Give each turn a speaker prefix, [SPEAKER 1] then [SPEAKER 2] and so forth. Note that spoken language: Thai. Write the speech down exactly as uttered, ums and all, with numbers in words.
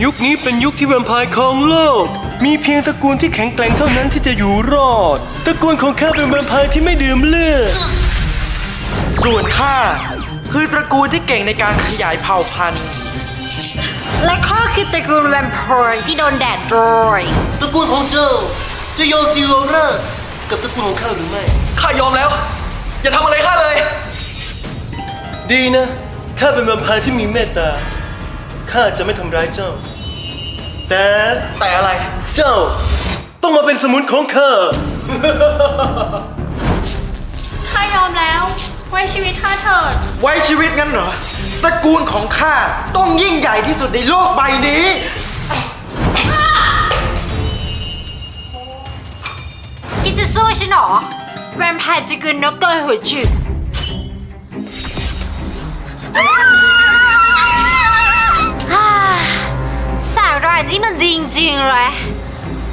[SPEAKER 1] ยุคนี้เป็นยุคที่แวมไพร์ครองโลกมีเพียงตระกูลที่แข็งแกร่งเท่านั้นที่จะอยู่รอดตระกูลของข้าเป็นแวมไพร์ที่ไม่ดื่มเลือด
[SPEAKER 2] ส่วนข้าคือตระกูลที่เก่งในการขยายเผ่าพันธุ์
[SPEAKER 3] และข้าคือตระกูลแวมไพร์ที่โดนแดดโรย
[SPEAKER 1] ตระกูลของเจ้าจะยอมซีโรเรอร์กับตระกูลของข้าหรือไม่
[SPEAKER 2] ข้ายอมแล้วอย่าทำอะไรข้าเลย
[SPEAKER 1] ดีนะข้าเป็นแวมไพร์ที่มีเมตตาข้าจะไม่ทำร้ายเจ้าแต่
[SPEAKER 2] แต่อะไร
[SPEAKER 1] เจ้าต้องมาเป็นสมุนของข้า
[SPEAKER 3] ข้ายอมแล้วไว้ชีวิตข้าเถิด
[SPEAKER 2] ไว้ชีวิตงั้นเหรอตระกูลของข้าต้องยิ่งใหญ่ที่สุดในโลกใบนี้
[SPEAKER 3] คิดจะสู้ฉันหรอแวมไพร์จะกินนกตัวหัวจุกสาหร่ายที่มันจริงๆเลย